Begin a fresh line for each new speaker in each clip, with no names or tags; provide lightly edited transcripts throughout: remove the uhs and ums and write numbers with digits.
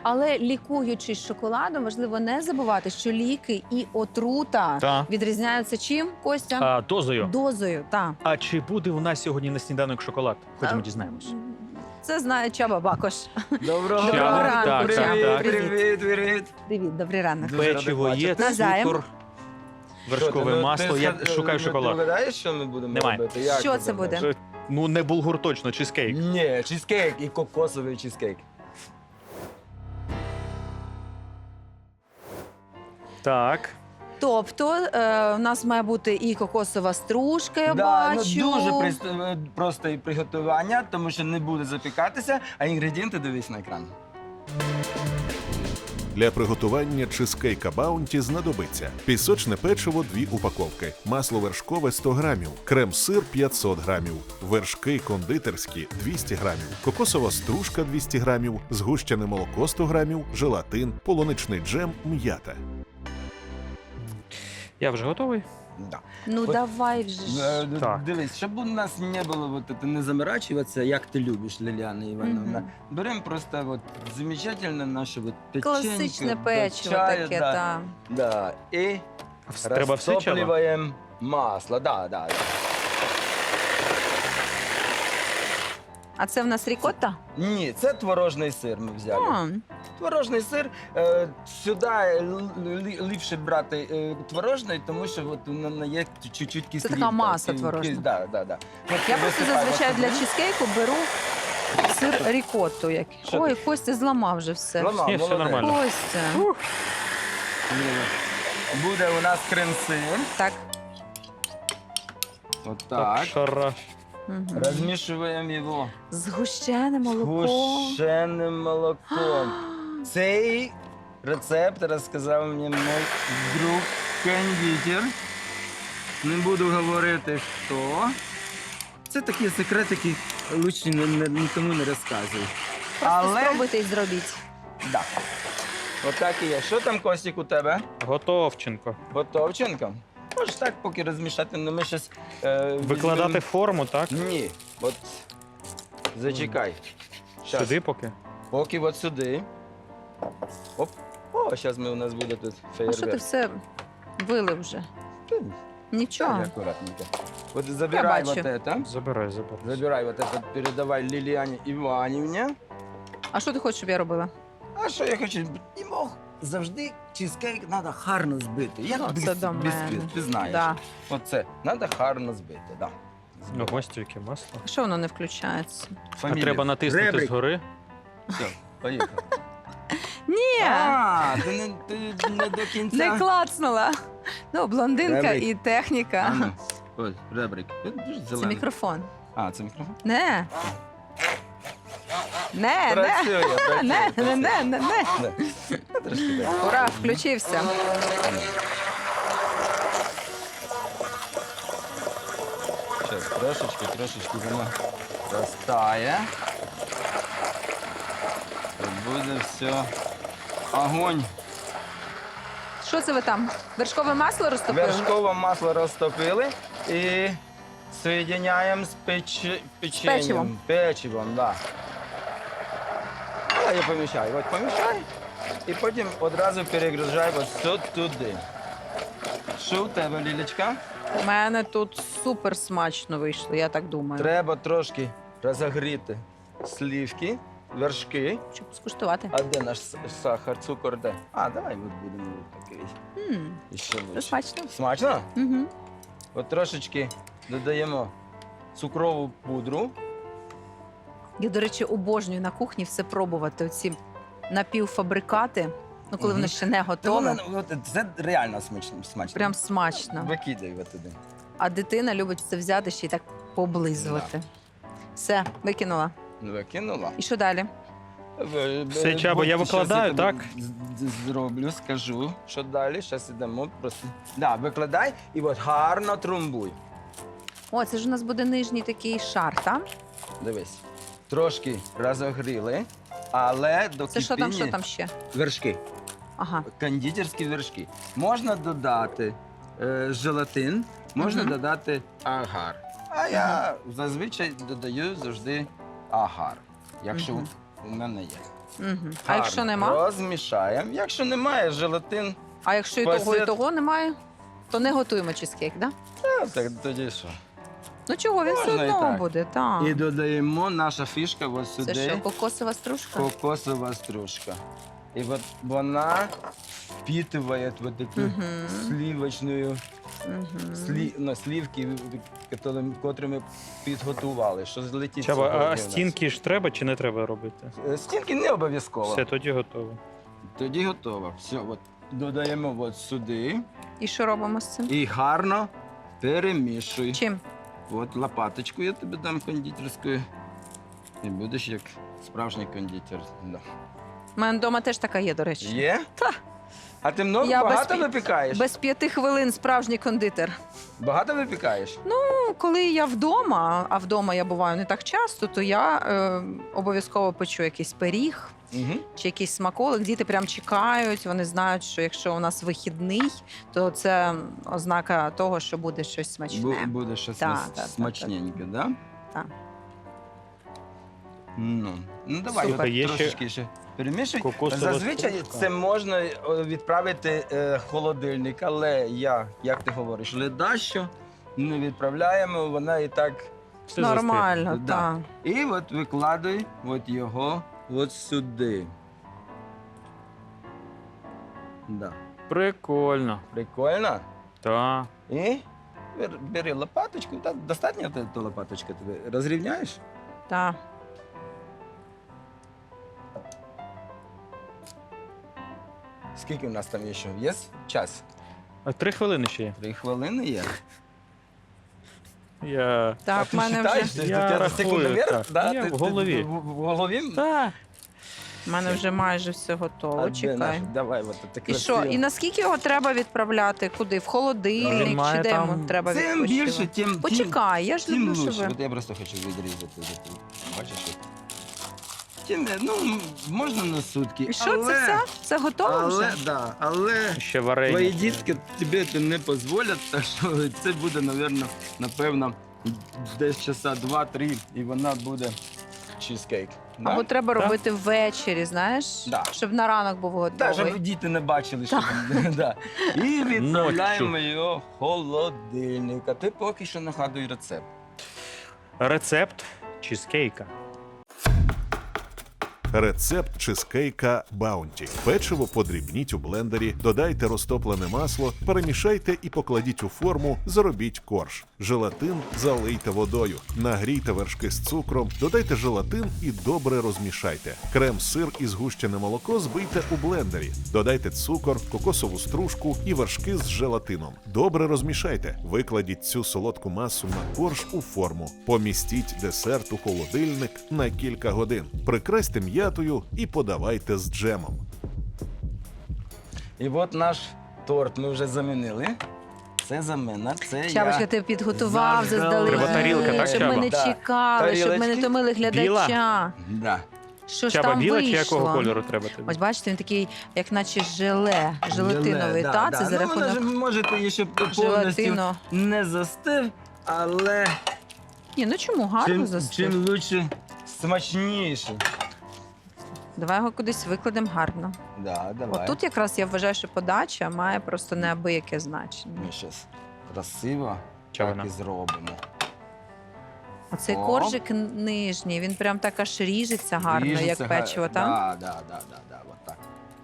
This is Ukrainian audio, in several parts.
Але лікуючись шоколадом, важливо не забувати, що ліки і отрута відрізняються чим, Костя?
Дозою.
Дозою, так.
А чи буде у нас сьогодні на сніданок шоколад? Ходімо дізнаємось.
Це знає Чаба Бакош.
Доброго
Доброго ранку,
так,
Чаба.
так.
Привіт, привіт.
Привіт, добрий ранок.
Дуже
Печиво
радий
є,
бачити.
Назаєм.
цукор, вершкове масло. Я шукаю
Ти
шоколад.
вгадаєш, що ми будемо
Немає.
робити? Як
Що
ти
це буде?
думаєш?
Ну, не булгур точно, чизкейк.
Ні, чизкейк і кокосовий чизкейк.
Так.
Тобто у нас має бути і кокосова стружка, я
Ну,
бачу.
дуже просто і приготування, тому що не буде запікатися, а інгредієнти дивись на екран.
Для приготування чизкейка Баунті знадобиться пісочне печиво 2 упаковки, масло вершкове 100 грамів, крем-сир 500 грамів, вершки кондитерські 200 грамів, кокосова стружка 200 грамів, згущене молоко 100 грамів, желатин, полуничний джем, м'ята.
Я вже готовий.
Да.
Ну
От,
давай вже ж.
Так.
Дивись, щоб у нас не було вот это, не заморачиваться, як ти любиш, Ліліана Івановна.
Мгм.
Беремо просто вот замечательне наше вот печенье.
Класичне
до
печиво
чаю,
таке,
да,
так.
да. І
Треба все чаба?
розтоплюємо масло. Да.
А це в нас рікотта?
Ні, це творожний сир ми взяли.
А,
Творожний сир, сюди ліпше брати творожний, тому що от воно є чуть-чуть кислинка.
така маса творожна.
Да. От
я просто
висипаємо
зазвичай для
сюди.
чизкейку беру сир рікотту.
Що
Ой,
ти?
Костя зламав вже все.
Ламав,
Ні, все
молодець.
нормально.
Костя.
Ні. Буде у нас крем-сир.
Так.
От так.
Хорошо.
Мгм.
Розмішуємо його
Згущене молоко.
згущеним молоком. Цей рецепт розказав мені мій друг кондитер. Не буду говорити хто. Це такі секретики, лучше нікому не розказуй.
Просто спробуйте і зробіть.
Да. Отак і є. Що там, Костік, у тебе?
Готовченко.
Готовченко? Можеш так поки розмішати, але ми щось...
Викладати форму, так?
Ні. От зачекай. Щас.
Сюди поки.
Поки от сюди. Оп. О, зараз у нас буде тут
А що ти
феєрверк.
все вилив вже? Нічого.
Так, аккуратненько. Вот забирай
бачу.
вот это.
Забирай.
Забирай вот это, передавай Ліліані Іванівні.
А що ти хочеш, щоб я робила?
А що я хочу? Йому завжди чизкейк треба гарно збити. Як
Ну, це до мене.
бісквіт, ти знаєш.
Да.
Оце, треба гарно збити, да.
Ну, ось яке масло.
А що воно не включається?
А
Фамілія.
треба натиснути
Ребрик.
згори.
Все, поїхали.
Ні,
А, ти не до кінця.
не клацнула. Ну, блондинка
Ребрик.
і техніка.
А, ну, ось, ребрик. Дуже
Це
зелений.
мікрофон.
А, це мікрофон?
Не. Не.
Працює,
Не.
працює.
Не.
Да. Трошки так.
Ура, включився.
Сейчас трошечки воно розтає. І буде все. Огонь.
Що це ви там? Вершкове масло розтопили?
Вершкове масло розтопили і соєдиняємо з печенням.
печивом.
Печивом, да. Я помішаю. От помішай. І потім одразу перегружай ось туди. Що у тебе, Лілечка?
У мене тут супер смачно вийшло, я так думаю.
Треба трошки розогріти сливки, вершки.
Щоб скуштувати.
А де наш сахар, цукор, де? А, давай от будемо такий. І ще
Це
лучше.
смачно.
Смачно?
Угу.
От трошечки додаємо цукрову пудру.
Я, до речі, обожнюю на кухні все пробувати. Оці напівфабрикати, ну коли
Мгм.
воно ще не
Та
готове.
воно, от, це реально смачно.
Прям смачно.
Викидай от туди.
А дитина любить це взяти ще й так поблизувати. Все, викинула.
Викинула.
І що далі?
Все, Чабо, я
Щас
викладаю,
тобі
так?
Зроблю, скажу, що далі. Зараз йдемо просто. Да, викладай і от гарно трумбуй.
О, це ж у нас буде нижній такий шар, так?
Дивись. Трошки розогріли, але до
Це що
кипіння
там ще?
вершки.
Ага.
Кондитерські вершки. Можна додати желатин, можна
Мгм.
додати агар. А я зазвичай додаю завжди агар. Якщо
Мгм.
у мене є.
Угу. А якщо
Гарно
нема?
Розмішаємо. Якщо немає, желатин,
А якщо і того, і
Посеред-
того немає, то не готуємо чизкейк, да?
так тоді що?
Ну чого, він все
Можна і
одно
так.
буде, так.
І додаємо наша фішка ось
Це
сюди.
що, кокосова стружка?
Кокосова стружка. І от вона впитывает вот эту
Мгм.
сливочную
Угу.
сливки, котрі ми підготували. Що злетить
Чаба,
сьогодні у
а
нас.
стінки ж треба чи не треба робити?
Стінки не обов'язково.
Все, тоді готово.
Тоді готово. Все, от додаємо от сюди
І що робимо з цим?
і гарно перемішуй.
Чим?
От лопаточку я тобі дам кондитерською. І будеш як справжній кондитер. Да.
У мене вдома теж така є, до речі.
Є?
Та.
А ти много
Я
багато
без-
випікаєш?
Без 5 хвилин справжній кондитер.
Багато випікаєш?
Ну, коли я вдома, а вдома я буваю не так часто, то я обов'язково печу якийсь пиріг
Угу.
чи якийсь смаколик. Діти прям чекають, вони знають, що якщо у нас вихідний, то це ознака того, що буде щось смачне.
Буде щось
Так, так,
смачненьке, так? Да?
Так.
Ну давай
Супер.
от
Є ще
трошечки ще перемішуй.
кокосова
Зазвичай
стружка.
це можна відправити в холодильник, але як ти говориш, ледащо не відправляємо, вона і так.
Все
Нормально,
Да.
так.
І от викладай от його от сюди. Да.
Прикольно.
Прикольно.
Так.
І бери лопаточку. Достатньо та лопаточка тобі? Розрівняєш?
Так.
Скільки у нас там є ще? Є час?
А 3 хвилини ще є.
3 хвилини є.
Я...
А
Так,
ти
в мене
считаєш?
вже
Ти-
Я
ти
рахую,
секундомір?
так.
Да?
Я
Ти-
в
ти
голові.
В голові?
Так.
в мене вже майже все готово.
А де
Чекай.
наш? Давай, от це
І що? І наскільки його треба відправляти? Куди? В
Він
холодильник?
має
Чи де
там-
йому треба
Чим
відпочивати?
більше, тим
Почекай, я ж
тим
люблю,
лучше.
щоб ви...
От я просто хочу відрізати. Бачиш? от. Тим, ну, можна на сутки.
І що, це все? Це готово
Але,
вже?
да, але
Ще варення.
твої дітки тобі це не дозволять, так що це буде, напевно, десь часа 2-3, і вона буде чизкейк. Да?
Або треба
Да.
робити ввечері, знаєш?
Да.
Щоб на ранок був
Так,
готовий.
щоб діти не бачили, що да. І відправляємо його в холодильник. А ти поки що нагадуй рецепт.
Рецепт чизкейка.
Рецепт чизкейка Баунті. Печиво подрібніть у блендері, додайте розтоплене масло, перемішайте і покладіть у форму, заробіть корж. Желатин залийте водою. Нагрійте вершки з цукром, додайте желатин і добре розмішайте. Крем-сир і згущене молоко збийте у блендері. Додайте цукор, кокосову стружку і вершки з желатином. Добре розмішайте. Викладіть цю солодку масу на корж у форму. Помістіть десерт у холодильник на кілька годин. Прикрасьте м'ятою і подавайте з джемом.
І от наш торт ми вже замінили. Це замена, це
Чабочка,
я...
ти підготував
Заздалегідь.
заздалегідь,
Тарілка, так,
щоб
Чаба?
ми не
Да.
чекали, щоб ми не
Тарілочки.
томили глядача.
Да.
Що ж
Чаба
там
біла чи
вийшло?
якого кольору треба тобі?
Ось бачите, він такий, як наче желатиновий,
да,
та?
да.
Це за
Ну, вона ж,
рахунок
можете її ще повністю
желатину.
не застив, але
Ні, ну чому? Гарно
чим
застиг.
лучше, смачніше.
Давай його кудись викладемо гарно.
Да, давай.
От тут якраз я вважаю, що подача має просто неабияке значення.
Ми зараз красиво
Чого
так
вона?
і зробимо.
Оцей
О.
коржик нижній, він прям так аж ріжеться гарно,
Ріжеться
як печиво, так?
Да, от так.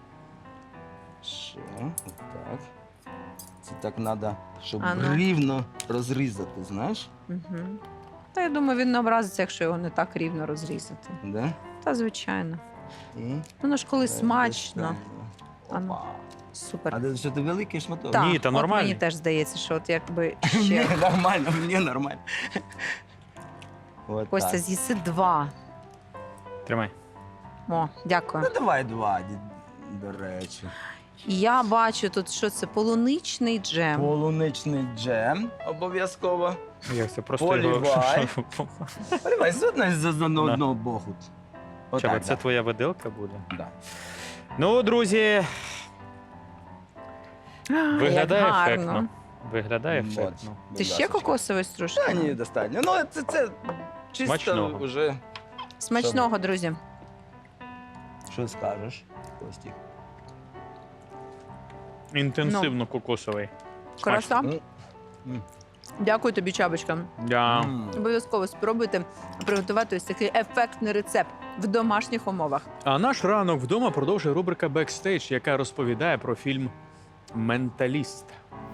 Ще, от так. Це так треба, щоб
А ну.
рівно розрізати, знаєш?
Угу. Та я думаю, він не образиться, якщо його не так рівно розрізати.
Да?
Та звичайно.
І
Воно ж коли смачно.
достанемо.
А ну.
Опа.
Супер.
А що ти великий шматок?
Так,
Ні, та
от
нормально.
мені теж здається, що от якби
Ні,
ще
нормально, мені нормально. От
Костя
так.
з'їси 2.
Тримай.
О, дякую.
Ну давай 2, до речі.
І я бачу тут, що це полуничний джем.
Полуничний джем обов'язково.
Як це просто
Полівай.
його...
Поливай з одного боку.
Чаба,
Отак,
це твоя виделка буде?
да.
Ну, друзі, виглядає
Як гарно.
ефектно. Виглядає
От,
ефектно.
будь
Ти ще
ласочка.
кокосової стружки?
Та ні, достатньо. Ну, це чисто
Смачного.
вже.
Смачного, друзі.
Що скажеш, Костік?
Інтенсивно кокосовий.
Краса.
М.
Дякую тобі, Чабочка.
Я...
Обов'язково спробуйте приготувати ось такий ефектний рецепт в домашніх умовах.
А наш ранок вдома продовжує рубрика «Бекстейдж», яка розповідає про фільм «Менталіст».